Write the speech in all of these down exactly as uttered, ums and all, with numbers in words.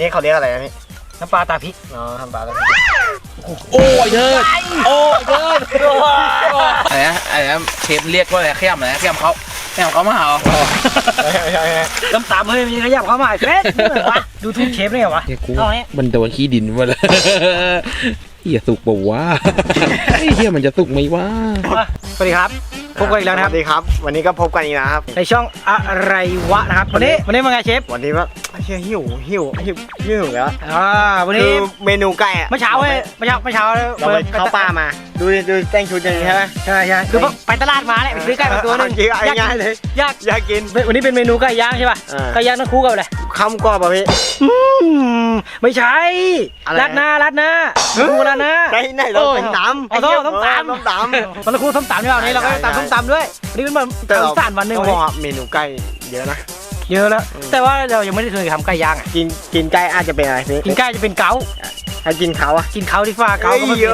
นี้เขาเรียกอะไรนะพี่น้ำปลาตาพริกอ๋อน้ำปลาตาพริกโอ้ยเดินโอ้ยเดินอะไรนะอะไรนะเชฟเรียกว่าอะไรขยำอะไรขยำเขาขยำเขามาเหรอน้ำตาลเฮ้ยมีขยับเข้ามาเฟสดูทุกเชฟได้ไงวะเอาเนี้ยมันโดนขี้ดินมาเลยเฮียสุกป่าวะเฮียมันจะสุกไหมวะสวัสดีครับพบกันอีกแล้วนะครับสวัสดีครับวันนี้ก็พบกันอีกนะครับในช่องอะไรวะนะครับวันนี้วันนี้มาไงเชฟวันนี้ว่าเฮียหิวหิวหิวหิวแล้วอ่าวันนี้เมนูไก่อะเมื่อเช้าเว้ยเมื่อเช้าเมื่อเช้าเราไปเข้าป่ามาดูดูแต่งชุดอย่างนี้ใช่ไหมใช่ใช่คือไปตลาดมาแหละไปซื้อไก่มาตัวนึงง่ายเลยอยากอยากกินวันนี้เป็นเมนูไก่ย่างใช่ป่ะไก่ย่างต้องคู่กับอะไรข้าวกรอบป่ะพี่ไม่ใช่ราดหน้าราดหน้าคู่ราดหน้าไหนไหนเราต้มตำเอาต้มต้มตำต้มตำมันคู่ต้มตำใช่ป่ะนี้เราก็ตำต้มตำด้วยวันนี้เป็นแบบสารวันหนึ่งเขาบอกเมนูไก่เยอะนะเยอะแล้วแต่ว่าเรายังไม่ได้เคยทำไก่ย่างอ่ะกินกินไก่อาจจะเป็นอะไรพี่กินไก่จะเป็นเกาให้กินเขาอ่ะกินเขาที่ฟ้าเกาก็ไม่เยอะ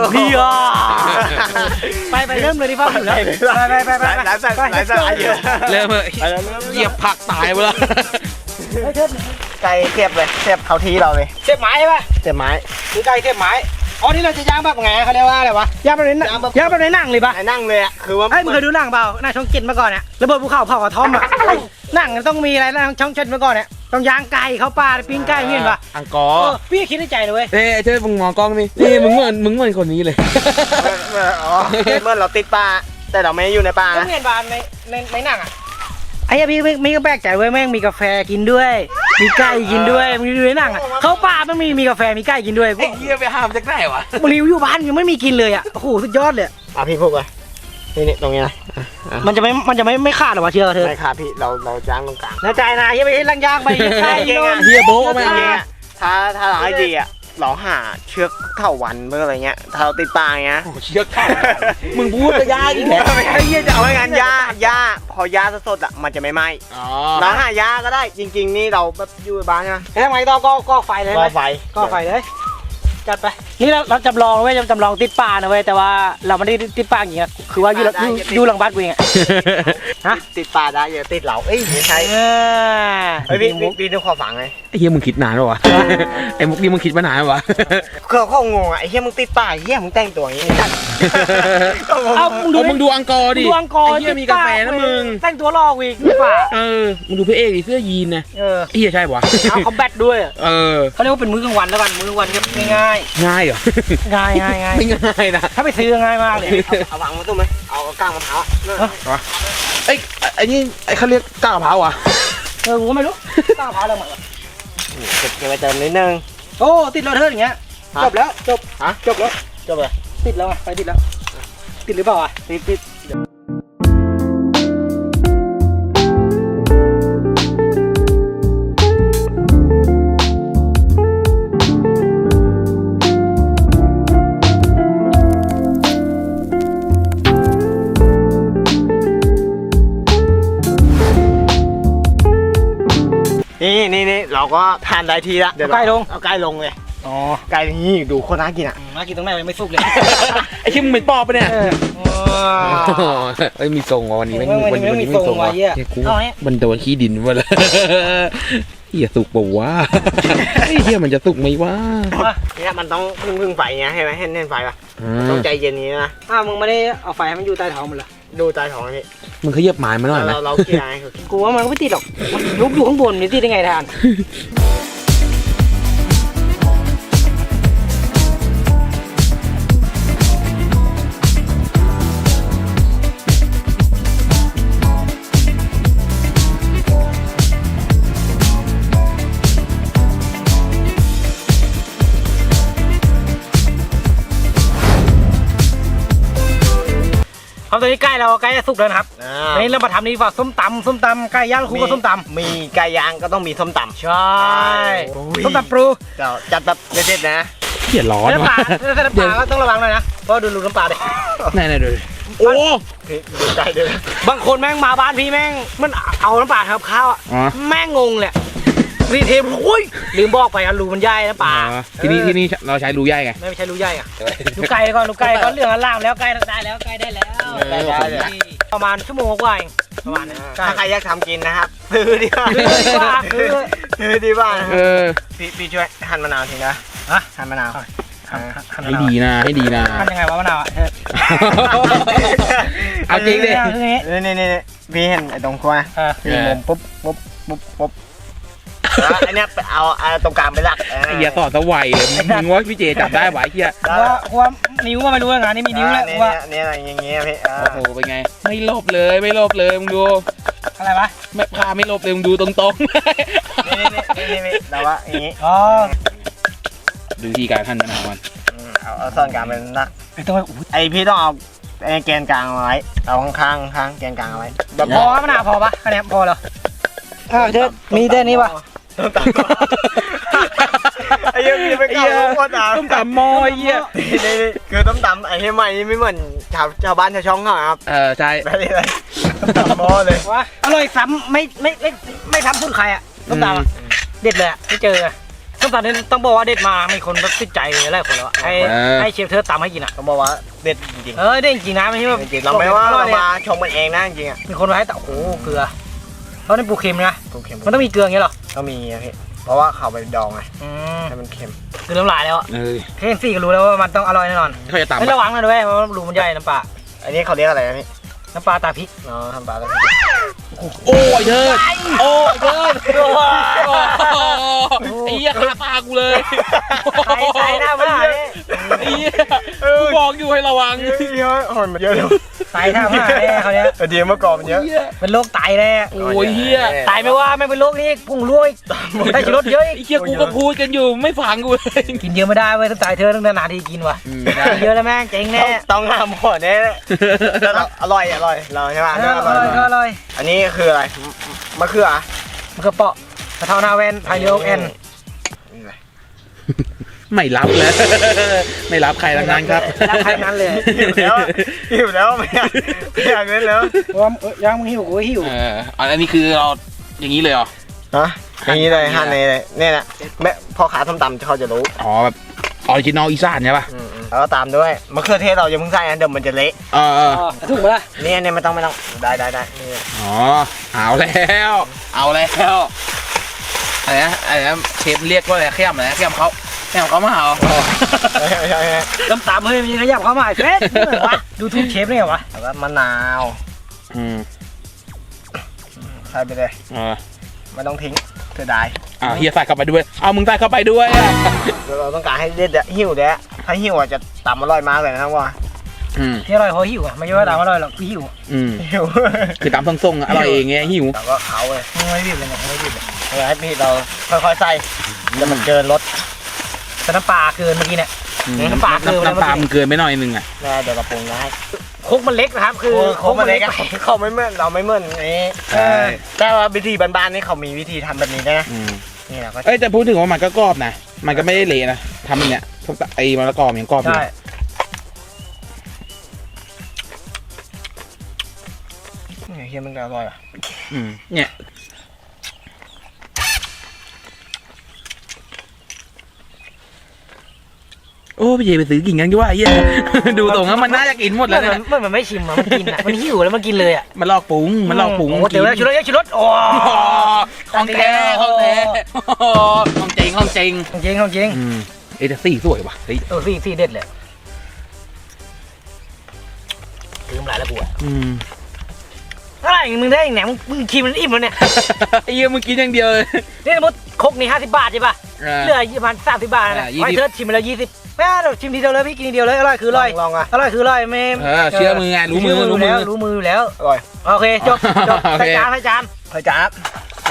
ไปไปเริ่มเลยที่ฟ้าแล้วไปไปไปไปหลายสายหลายสายเยอะเริ่มเลยเหยียบผักตายไปแล้วไก่เสียบเลยเสียบเขาทีเราเลยเสียบไม้ใช่ป่ะเสียบไม้คือไก่เสียบไม้อ๋อนี่เราจะย่างแบบไงเขาเรียกว่าอะไรวะย่างแบบไหนย่างแบบไหนนั่งเลยป่ะนั่งเลยอ่ะคือว่าไอ้มึงเคยดูหนังเปล่าหน้าช่องเจ็ดมาก่อนเนี่ยระเบิดภูเขาเผากระท่อมอ่ะหนังต้องมีอะไรนะช่องเจ็ดมาก่อนเนี่ยต้องย่างไก่เข้าป่าปิ้งไก่เห็นป่ะอังกอร์พี่คิดในใจเลยเว้ยเอ้ยเจ้ามึงมองกล้องนี่นี่มึงเหมือนมึงเหมือนคนนี้เลยอ๋อเมื่อเราติดป่าแต่เราไม่อยู่ในป่านะเห็นป่าในในในหนังอ่ะไอ้พี่ไม่ก็แปลกใจเว้ยแม่งมีกาแฟกินด้วยมีไก่กินด้วยมึงดูในหนังอ่ะเขาป่ามันมีมีกาแฟมีไก่กินด้วยไอ้เหี้ยไปห้ามจากไหนวะมึงอยู่บ้านยังไม่มีกินเลยอ่ะโอ้โหสุดยอดเลยอ่ะพี่พูดไปนี่นี่ตรงนี้นะมันจะไม่มันจะไม่ไม่ขาดหรอวะเชื่อเธอไม่ขาดพี่เราเราจ้างตรงกลางแล้วใจนะเฮียไปลังยางไปใช่เฮียโบ๊ะไม่เงี้ยถ้าถ้าเราให้ดีอ่ะเราหาเชือกเท่าวันเมื่ออะไรเงี้ยถ้าเราติดป่าเงี้ยเชือกเท่ามึงพูดจะยาอีกแล้วไอ้เหี้ยจะเอาไว้งานยายาพอยาสดๆอ่ะมันจะไม่ไหม้เราหายาก็ได้จริงๆนี่เราแบบอยู่บ้านนะทำไมต้องก็ก็ไฟเลยก็ไฟก็ไฟเลยจัดไปนี่เราเราจำลองเว้ยจำลองติดป่านะเว้ยแต่ว่าเราไม่ได้ติดป่าอย่างเงี้ยคือว่าอยู่อยู่หลังบ้านกูเองฮะติดป่าได้อย่าติดเหล่าเอ้ยไม่ใช่ไอ้พี่พี่ต้องขอฟังเลยไอ้เฮียมึงคิดนานหรอวะไอ้มุกนี่มึงคิดมานานวะเขาเขางงอ่ะไอ้เฮียมึงติดป่าเฮียมึงแต่งตัวอย่างงี้เอามึงดูอังกอร์ดิดูอังกอร์เฮียมีกาแฟนะมึงแต่งตัวหล่อวีกป่าเออมึงดูพระเอกดิเสื้อยีนนะเออเฮียใช่ปะเอาคอมแบทด้วยเออเขาเรียกว่าเป็นมื้อกลางวันแล้วกันมื้อกลางวันง่ายง่ายเหรอง่ายง่ายง่ายไม่ง่ายนะถ้าไปซื้อง่ายมากเลยเอาวางมาตุ้มไหมเอาก้างมะพร้าวไอ้ไอ้นี่ไอ้เขาเรียกก้างมะพร้าวอ่ะเออผมก็ไม่รู้ก้างมะพร้าวอะไรหมดเก็บเก็บไปเติมนิดนึงโอ้ติดแล้วเธออย่างเงี้ยจบแล้วจบฮะจบแล้วจบเลยติดแล้วไปติดแล้วติดหรือเปล่าอ่ะติดติดนี่นี่นี่เราก็ทานได้ทีละเดี๋ยวใกล้ลงเอาใกล้ลงเลยอ๋อใกล้นี่ดูโคตรน่ากินอ่ะน่ากินตรงไหนยังไม่สุกเลยไอ้ชิมเหม็นปอบปะเนี่ยเอ้ยมีทรงวันนี้ไม่มีวันนี้ไม่ทรงว่ะเฮียกูมันโดนขี้ดินมาเลยเฮียสุกป่าวะเฮียมันจะสุกไหมวะเนี่ยมันต้องพึ่งพึ่งไฟเงี้ยใช่ไหมเห็นเห็นไฟป่ะต้องใจเย็นนี้นะอ้าวมึงไม่ได้เอาไฟให้มันอยู่ใต้ท้องมันเหรอดูใต้ท้องนี่มึงขยับหมายมาหน่อยไหมเราเราเกี่ยไงกูว่ามันไม่ติดหรอกลุกอยู่ข้างบนมันติดได้ไงทานตอนนี้ใกล้เราใกล้จะสุกแล้วครับนี่เรามาทำนี่ว่าส้มตำส้มตำไก่ย่างคู่กับส้มตำมีไก่ย่างก็ต้องมีส้มตำใช่ส้มตำปรูจัดแบบเด็ดๆนะเขียนร้อนน้ำปลาน้ำปลาก็ต้องระวังหน่อยนะเพราะดูรูน้ำปลาดิไหนไหนดูโอ้ดูใจเด้อบางคนแม่งมาบ้านพี่แม่งมันเอาน้ำปลาทำข้าวอ่ะแม่งงงเลยรีเทมโอ้ยลืมบอกไปอ่ะรูมันใหญ่น้ำปลาที่นี่ที่นี่เราใช้รูใหญ่ไงไม่ใช่รูใหญ่อ่ะรูไก่ก่อนรูไก่ก่อนเรื่องล่ามแล้วไก่ได้แล้วไก่ได้แล้วประมาณชั่วโมงกว่าเองประมาณนี้ถ้าใครอยากทำกินนะครับซื้อดีกว่าซื้อดีกว่าซื้อซื้อดีกว่านะเออพี่พี่ช่วยหั่นมะนาวทีนะฮะหั่นมะนาวให้ดีนะให้ดีนะทำยังไงวะมะนาวอ่ะเอาจริงดินี่นี่นี่พี่เห็นไอ้ตรงครัวนะเออพี่มุมปุ๊บปุ๊บปุ๊บปุ๊บแล้วอันเนี้ยเอาเอาตรงกลางไปหลักไอ้เหี้ยสอนสวัยเลยมึงว่าพี่เจจับได้ไหวะไอ้เหี้ยว่าว่านิ้วก็ไม่รู้งานนี้มีนิ้วแล้วนี่ว่านี่อะไรอย่างเงี้ยพี่โอ้โหเป็นไงไม่ลบเลยไม่ลบเลยมึงดูอะไรวะไม่พาไม่ลบเลยมึงดูตรงๆนี่นี่นี่นี่แต่ว่าอย่างงี้อ๋อดูวิธีการขั้นมะนาวมันเอาเอาซ่อนกลางเป็นหลักไอ้ตัวอู้ไอพี่ต้องเอาไอแกนกลางเอาไว้เอาข้างข้างข้างแกนกลางเอาไว้แบบพอมะนาวพอปะคะแนนพอเหรออ่าเธอมีแค่นี้ปะต้องตัดไอ้ยังมีไปเก่าพ่อตาต้มตำหม้อไอ้เหี้ยนี่นี่คือต้มตำไอ้เฮียใหม่นี่ไม่เหมือนชาวชาวบ้านชาวช่องเขาครับเออใช่แบบนี้เลยต้มตำหม้อเลยวะอร่อยซ้ำไม่ไม่ไม่ไม่ซ้ำสุดใครอ่ะต้มตำอ่ะเด็ดเลยอ่ะไม่เจออ่ะต้มตำนี่ต้องบอกว่าเด็ดมามีคนแบบติดใจหลายคนแล้วให้ให้เชฟเธอตำให้กินอ่ะต้องบอกว่าเด็ดจริงเออเด็ดจริงนะไม่ใช่ว่าๆจริงๆเราไม่ว่าเรามาชมกันเองนะจริงๆอ่ะมีคนมาให้แต่โอ้โหเกลือเพราะนี่ปูเค็มนะถูกเค็มมันต้องมีเกลืออย่างเงี้ยหรอก็มีอะพี่เพราะว่าเขาไปดองไงอืมให้มันเค็มคือน้ำลายแล้วอ่ะเออเคนซี่ก็รู้แล้วว่ามันต้องอร่อยแน่นอนเขาจะตำไม่ระวังนะด้วยเพราะรูมันใหญ่น้ำปลาอันนี้เขาเรียกอะไรนะพี่น้ำปลาตาพริกเนาะทำปลาแล้วโอ้ยเถิดโอ้ยเถิดไอ้เหี้ยคาตากูเลยใส่ใส่หน้ามาเนี่ยไอ้เหี้ยกูบอกอยู่ให้ระวังเยอะหอนมันเยอะเลยใส่หน้ามาเนี่ยเขาเนี้ยเดียวเมื่อก่อนมันเยอะเป็นโรคไตแน่โอ้ยเหี้ยตายไม่ว่าไม่เป็นโรคนี้พุ่งรั่วอีกได้ชิรสเยอะอีกไอ้เหี้ยกูก็พูดกันอยู่ไม่ฟังกูเลยกินเยอะไม่ได้เว้ยต้องตายเธอต้องนานๆทีกินว่ะอืมกินเยอะแล้วแม่งเจ๊งแน่ต้องห้ามหมดเนี่ยอร่อยอร่อยเราใช่ไหมเอออร่อยอร่อยอันนี้คืออะไรมะเขือมันก็เปาะกระเทานาเวนไทยเรียวแอนไม่รับแล้วไม่รับใครทั้งนั้นครับรับใครนั้นเลยหิวแล้วหิวแล้วไม่อยากไม่อยากเล่นแล้วเพราะว่าย่างมึงหิวกูก็หิวเอออันนี้คือเราอย่างนี้เลยเหรอฮะอย่างนี้เลยหั่นเลยเนี่ยนะแม่พ่อขาส้มตำเขาจะรู้อ๋อแบบออริจินอลอีสานใช่ป่ะแล้วก็ตามด้วยมะเขือเทศเรายังเพิ่งใส่นะเดี๋ยวมันจะเละเออเออถูกไหมล่ะนี่เนี่ยไม่ต้องไม่ต้องได้ได้ได้นี่อ๋อเอาแล้วเอาแล้วอะไรนะอะไรนะเชฟเรียกว่าอะไรเข้มอะไรเข้มเขาเข้มเขามาเหรอไม่ใช่ไม่ใช่น้ำตาลเฮ้ยมีขยับเข้ามาไอ้เฟสวะดูทุกเชฟเนี่ยวะแล้วก็มะนาวอืมใส่ไปเลยเออไม่ต้องทิ้งเสียดายอ่าเฮียใส่เข้าไปด้วยเอามึงใส่เข้าไปด้วยอ่ะเราต้องการให้เด็ดอะหิวเด้ะถ้าหิวอะจะตำอร่อยมากเลยนะครับว่าอืมที่อร่อยเพราะหิวอ่ะไม่ใช่ว่าตามอร่อยหรอกคือหิวอืมหิวคือตามทรงๆอะอร่อยเองไงหิวแต่ก็เขาเลยไม่บีบเลยเนี่ยไม่บีบเลยเออให้พี่เราค่อยๆใส่แล้วมันเกินรสแต่น้ำปลาเกินเมื่อกี้เนี่ยอืมน้ำปลาเกินไปแล้วน้ำปลามันเกินไปหน่อยนึงอ่ะแน่เดี๋ยวเราปรุงให้โคกมันเล็กนะครับคือเขาไม่เล็กอะเขาไม่เหมือนเราไม่เหมือนนี้ใช่แต่ว่าวิธีบ้านๆนี่เขามีวิธีทำแบบนี้ด้วยนะอืมนี่เราก็เอ้ยแต่พูดถึงว่ามันก็กรอบนะมันก็ไม่ได้เละนะทำอย่างเนี้ยพวกไอ้มะละกอมันยังกรอบอยู่ใช่เฮียมันอร่อยอ่ะอืมเนี่ยโอ้พี่เจไปซื้อกินกันดีกว่าไอ้เหี้ย ดูตรงแล้วมันน่าจะกินหมดแล้วมันนะมันมันไม่ชิมอ่ะมันกินอ่ะมันหิวแล้วมันกินเลยอ่ะมันลอกปรุงมันลอกปรุงโอ้เดี๋ยวแล้วชุดรสชุดรสโอ้ห้องแท้ห้องแท้ห้องเจงห้องเจงจริงจริงอืมเอแต่สีสวยว่ะเฮ้ยเออสี่สี่เด็ดเลยลืมหลายแล้วกูอ่ะอืมอะไรมึงได้แหนมมึงชิมมันอิ่มแล้วเนี่ยไอ้เหี้ยมึงกินอย่างเดียวเลยนี่สมมติคกนี่ห้าสิบบาทใช่ป่ะเหลือประมาณสามสิบบาทนะไว้เธอชิมไปแล้วยี่สิบไม่เอาชิมทีเดียวเลยพี่กินทีเดียวเลยอร่อยคืออร่อยลองอ่ะอร่อยคืออร่อยไม่เออเชื่อมือไงรู้มือรู้มือรู้มืออยู่แล้วอร่อยโอเคจบจบโอเคใส่จานใส่จานเฮ้ยจ๊าบไป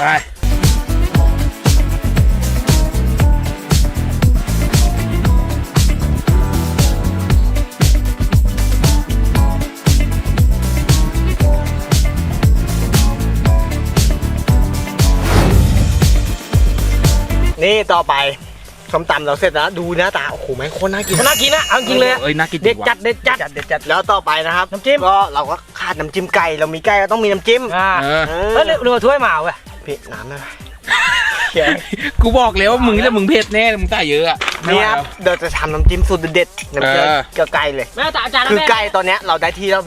นี่ต่อไปส้มตำเราเสร็จแล้วดูหน้าตาโอ้โหแม่งโคตรน่ากินน่ากินนะเอาจริงเลยอะเอ้ยน่ากินเด็ดว่ะจัดเด็ดจัดจัดเด็ดจัดแล้วต่อไปนะครับน้ำจิ้มก็เราก็ขาดน้ำจิ้มไก่เรามีไก่ก็ต้องมีน้ำจิ้มอ่าเออเอเฮ้ยอเรือถ้วยมาเว้ยพี่น้ำนะเขียนกูบอกแล้วว่ามึงจะมึงเผ็ดแน่มึงใส่เยอะอะไม่นี่ไหวครับแล้วเดี๋ยวจะทำน้ำจิ้มสูตรเด็ดๆน้ำจิ้มเออกับไก่เลยแม่ตาจานแล้วคือแม่ไก่ตอนเนี้ยเราได้ที่แล้วพี่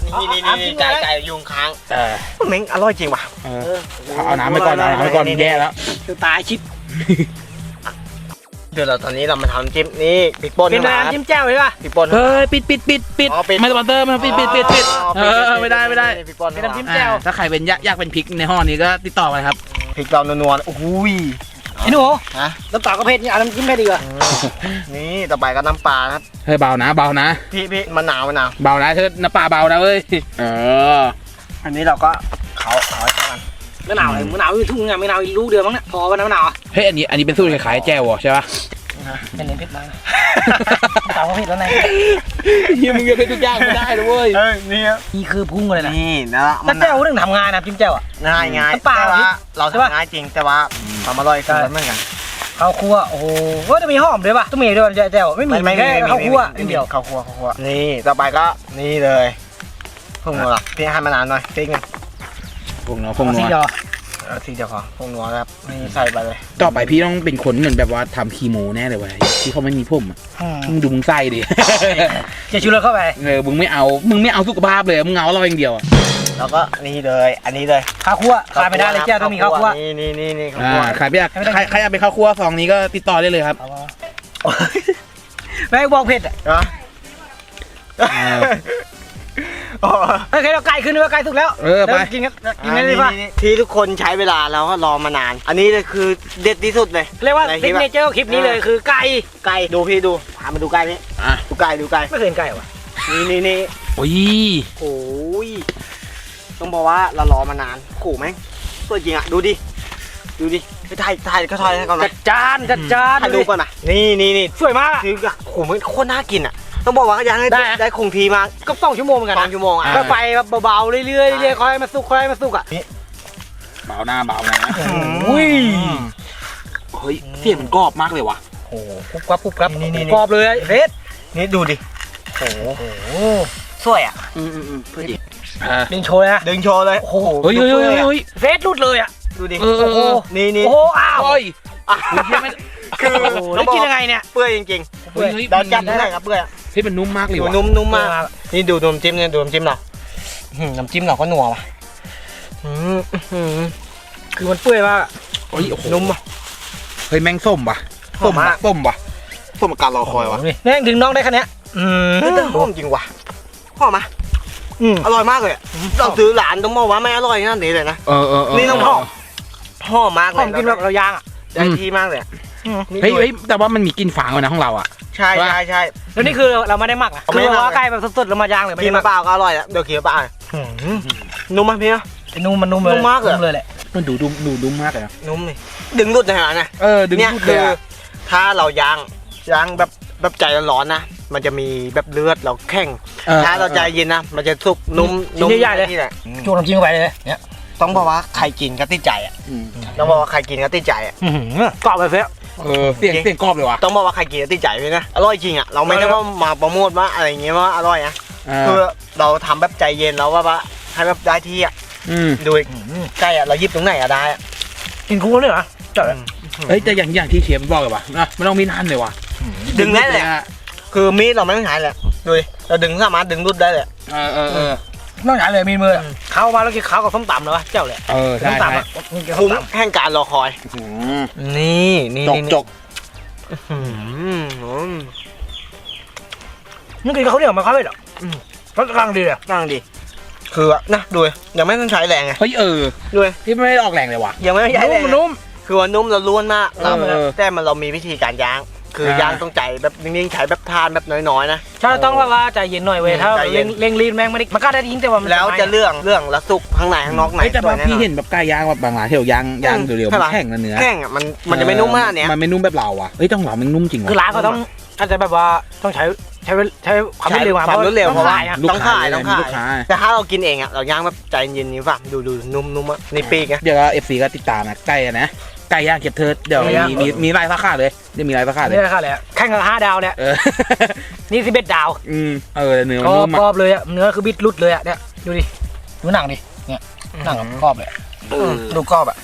นี่นี่นี่ไก่ไก่ยุงค้างเออเม้งอร่อยจริงว่ะเออเอาน้ำไปก่อนเอาน้ำไปก่อนแย่แล้วคือตายชิปเดี๋ยวเราตอนนี้เรามาทำจิ้มนี่พริกป่นเป็นน้ำจิ้มแจ่วใช่ป่ะพริกป่นเฮ้ยปิดปิดปิดปิดไม่สปอนเซอร์มาปิดปิดปิดปิดเออไม่ได้ไม่ได้พริกป่นเป็นน้ำจิ้มอ่าถ้าใครเป็นยากยากเป็นพริกในห้อนี้ก็ติดต่อมาครับพริกเรานัวๆโอ้โหไอ้หนูฮะน้ำตาลก็เผ็ดนี่เอาน้ำจิ้มเผ็ดดีกว่านี่ต่อไปก็น้ำปลาครับเฮ้ยเบานะเบานะพี่พี่มะนาวมะนาวเบานะเธอน้ำปลาเบานะเว้ยเอออันนี้เราก็เขาเขาให้เข้ากันมะนาวอะไรมะนาวอยู่ทุ่งไงมะนาวลูกเดียวมั้งเนี่ยพอป่ะน้ำมะนาวเฮ้ยอันนี้อันนี้เป็นสูตรคล้ายๆแจ่วใช่ปะเป็นเน้นเผ็ดมากน้ำตาลก็เผ็ดแล้วไงเฮียมึงจะเป็นทุกอย่างไม่ได้เลยเว้ยเอ้ยนี่นี่คือพุ่งเลยนะนี่นะถ้าแจ่วเรื่องทำงานนะจิ้มแจ่วอ่ะง่ายง่ายน้ำปลาแต่ว่าเราใช่ปะทำง่ายจริงแต่ว่าความอร่อยคือมันเหมือนกันข้าวคั่วโอ้โหจะมีหอมด้วยป่ะต้องมีด้วยแจ่วไม่มีแค่ข้าวคั่วนิดเดียวข้าวคั่วข้าวคั่วนี่ต่อไปก็นี่เลยพุ่งนัวพี่ให้มานานหน่อยติ๊กนึงพวกเนาะพวกนัสีวเดียวเอาทีเดียวพอพุ่งนัวครับนี่ใส่ไปเลยต่อไปพี่ต้องเป็นคนเหมือนแบบว่าทำคีโมแน่เลยเว้ยที่เขาไม่มีผมอะมึงดูมึงไส้ดิจะชูรสเข้าไปเออมึงไม่เอามึงไม่เอาสุขภาพเลยมึงเอาเราอย่างเดียวอะแล้วก็นี่เลยอันนี้เลยข้าวคั่วขาดไม่ได้เลยแจ่วต้องมีข้าวคั่วนี่นี่นี่นี่ข้าวอ่าคั่วใครอยากใครใครอยากเป็นข้าวคั่วซองนี้ก็ติดต่อได้เลยครับแม่บอกเผ็ดอ่ะนะโอเคเราไก่ขึ้นว่าไก่สุกแล้วเออไปกินกันกินได้เลยป่ะที่ทุกคนใช้เวลาแล้วก็รอมานาน อันนี้เลยคือเด็ดที่สุดเลยเรียกว่าในคลิซิปกอะเนเจอร์คลิปนี้เลยคือไก่ไก่ดูพี่ดูพามาดูไก่นี่อ่ะดูไก่ดูไก่ไม่เคยเห็นไก่ว่ะนี่นี่นี่โอ้ยโอ้ยต้องบอกว่าเรารอมานานขู่ไหมสวยจริงอ่ะดูดิดูดิไปถ่ายถ่ายก็ถ่ายให้ก่อนไหมจัดจานจัดจานถ่ายรูปก่อนนะนี่นี่นี่สวยมากคือโอ้โหมันโคตรน่ากินอ่ะต้องบอกว่ายังให้ได้อะได้คงทีมาก็สองชั่วโมงเหมือนกันสอนะงชั่วโมงอ่ะก็ไปแบบเบาๆเรื่อยๆเรื่อยๆค่อยมาสุกค่อยมาสุกอ่ะเบาหน้าเบานะอุ้ยเฮ้ยเสียงมันกรอบมากเลยว่ะโอ้โหปุ๊บปั๊บปุ๊บปั๊บนี่นี่กรอบเลยเฟสนี่ดูดิโอ้โหโอ้โหสวยอ่ะอืมอืมอืมเพื่อดิดึงโชว์เลยนะดึงโชว์เลยโอ้โหเฮ้ยเฮ้ยเฮ้ยเฮ้ยเฟสรุดเลยอ่ะดูดิเออเออเออนี่นี่โอ้โหอ้าวโอ้ยอ่ะคือคือโอ้โหแล้วกินยังไงเนี่ยเปื่อยจริงเฮ้ยเฮ้ยๆเราจับได้ครับเปื่อยเฮ้ยมันนุ่มมากเลยดูว่ะนุ่มนุ่มมากนี่ดูน้ำจิ้มเนี่ยดูน้ำจิ้มเราอื้อหือน้ำจิ้มเราก็นัวว่ะอืมอื้อหือคือมันเปื่อยมากอะเฮ้ยโอ้โหนุ่มอ่ะเฮ้ยแมงส้มว่ะหอส้มมมากว่ะส้มว่ะส้มกับการรอคอยว่ะนี่แม่งถึงน้องได้คะแนนอืมเฮ้ยแต่หอมจริงว่ะหอมไหมอืมอร่อยมากเลยอะเราซื้อหลานต้องบอกว่าไม่อร่อยนั่นนี่เลยนะเออเออเออนี่ต้องหอมหอมมากหเลอย มกินแบบเราย่างอ่ะได้ที่มากเลยอะนี่เฮ้ยดูเฮ้ยแต่ว่ามันมีกลิ่นฝางเลยนะของเราอ่ะใช่ใช่ใช่แล้วนี่คือเราไม่ได้หมักอ่ะไม่คือได้หมักว่าไก่แบบสดๆเรามาย่างเลยไม่กินได้หมัมาก เปล่าก็อร่อยแล้วเดี๋ยวกินมะเปล่านุ่มไหมพี่นะไอ้นุ่มมันนุ่มเลยนุ่มมากเลยนุ่เลยแหละมันดูดุมดูดุมมากเลยนะนุ่มเลยดึงรุดในหางนะเออดึงเนี่ยพูดคืเลยออะถ้าเราย่างย่างแบบแบบใจร้อนๆนะ มันจะมีแบบเลือดเราแข็งออถ้าเราใจเย็นนะ มันจะสุกนุ่มนุ่มนี่แหละจูน้ำจิ้มเข้าไปเลยเนี่ยต้องบอกว่าใครกินก็ติดใจอ่ะอืมต้องบอกว่าใครกินก็ติดใจอ่ะอื้อหือกรอบไปเฟ้เออเสียงเสียงกรอบเลยว่ะต้องบอกว่าใครกินก็ติดใจพี่นะอร่อยจริงอ่ะเราไม่ได้ว่ามาโปรโมทว่าอะไรอย่างเงี้ยว่าอร่อยนะเอคืออเราทำแบบใจเย็นแล้วว่าว่าให้แบบได้ที่อ่ะอืมดูอีกใกล้อ่ะเรายิบตรงไหนอ่ะได้อ่ะกินคู่เลยเหรอจัดเลยเฮ้ยแต่อย่างอย่างที่เชฟบอกเลยว่ะนะไม่ต้องมีนั่นเลยว่ะดึงได้เลยอะคือมีดเราไม่ต้องใช้เลยดูดิเราดึงสามารถดึงรุดได้เลยเออเออเออนอกจากเลยมีมืออะเข้ามาแล้วกินข้าวกับส้มตำเลยวะเจ้าเลยเออใช่ส้มใช่ตำอ่ะกินส้คุ้มมตำแห่งการรอคอยอืมนี่นี่จกนี่จกอืมนี่กินข้าวเหนียวมาเข้าเลยเหรออืมรสกลางดีเลยนั่งดิคืออะนะดูดิยังไม่ต้องใช้แรงไงเฮ้ยเออดูดิที่ไม่ได้ออกแรงเลยว่ะยังไม่ต้องใช้แรงนุ่มคือว่านุ่มเราล้วนมากเราเออแต่มันเรามีวิธีการย่าง คืออ่าย่างต้องใจแบบนิ่งๆใช้แบบทานแบบน้อยๆนะถ้าต้องแบบว่าใจเย็นหน่อยเว้ยถ้าใจเย็เร่นงเร่งรีบแม่งไม่ได้มันก็ได้ยิงแต่ว่ามันแล้วจะไหม้เรื่องเรื่องละสุกข้างในข้างนอกไหนเฮ้ยแต่สวบาย งแน่นพี่อนเห็นแบบไก่ย่างแบบบางร้านที่เราย่างย่างเร็วๆใช่มันปะแข็งนะเนื้อแห้งอ่ะมันมันจะไม่นุ่มมากเนี้ยมันไม่นุ่มแบบเราอ่ะเฮ้ยต้องเรามันนุ่มจริงคือว่ะร้านเขาต้องอาจจะแบบว่าต้องใช้ใช้ใช้ความรวดเร็วมาความรวดเร็วต้เพองราะว่าขายอะลูกต้องค้าขายต้องมีขายลูกค้าแต่ถ้าเรากินเองอ่ะเราย่างแบบใจเย็นนี้ป่ะดูดูนุ่มๆอ่ะนี่ปีกไงเดี๋ยวเอฟซีก็ติดตามนะไก่อะนะไก่ย่างเก็บเทิร์ดเดี๋ยวมีมีมีลายสาขาเลยเดี๋ยวมีลายสาขาเลยนี่แหละค่ะแหละแข่งกับห้าดาวเนี่ยเออนี่สิบเอ็ดดาวอืมเออเนื้อกมันรอนุ่บมกรอ่ะอบเลยอะเนื้อคือบิดรุดเลยอะเนี่ยดูดิดูหนังดิเนี่ยหนังกรอบเลยอะเออดูกรอบอะ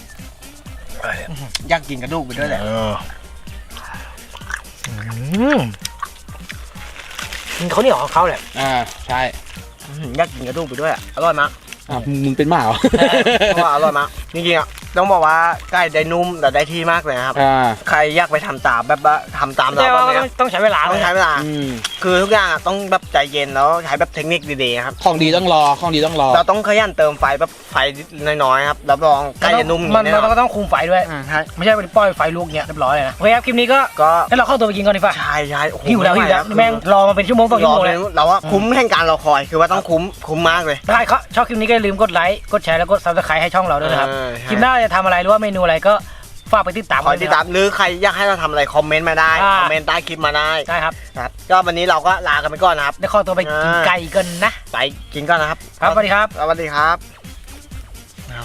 ย่างกินกระดูกไปด้วยแหละอืมเขาวเหนี่ยวของเขาแหละอ่าใช่อือยากกินกระดูกไปด้วยอะอร่อยมากอ่ะมึงเป็นหมาเหรอเพราะว่าอร่อยมากจริงๆอ่ะต้องบอกว่าไก่ได้นุ่มแต่ได้ที่มากเลยนะครับอ่าใครอยากไปทำตามแบบว่าทำตามเราแต่แบว่าบต้เนี้องยต้องใช้เวลาต้องใช้เวลาอืมคือทุกอย่างอะต้องแบบใจเย็นแล้วใช้แบบเทคนิคดีๆครับของดีต้องรอของดีต้องรอเราต้องขยันเติมไฟแบบไฟน้อยๆครับรับรองไก่จะนุ่มมันแน่มันนอนก็ต้องคุมไฟด้วยอ่าใช่ไม่ใช่ไปปล่อยไฟลุกเงี้ยเรียบร้อยเลยนะโอเคครับคลิปนี้ก็ก็ให้เราเข้าตัวไปกินก่อนดีกว่าใช่ใช่โอ้โหหิวแล้วหิวแล้วไม่ไหแม่งรอมาเป็นชั่วโมงต่อรชั่วอโมงเลเลย ยเราว่าคุ้มแห่งการรอคอยคือว่าต้องคุ้มคุ้มมากเลยถ้าใครชอบคลิปนี้ก็อย่าลืมกดไลค์กดแชร์แล้วกดซับสไครต์ให้ช่องเราด้วยนะครับเออใช่คลิปหน้าเราจะทำอะไรหรือว่าเมนูอะไรก็ฝากไปติดตามคอยติดตามหรือใครอยากให้เราทำอะไรคอมเมนต์มาได้อ่าคอมเมนต์ใต้คลิปมาได้ได้ครับครับก็วันนี้เราก็ลากันไปก่อนนะครับได้ขอตัวไปกินอ่าไก่กันนะไปกินก่อนนะครับครับสวัสดีครับสวัสดีครับ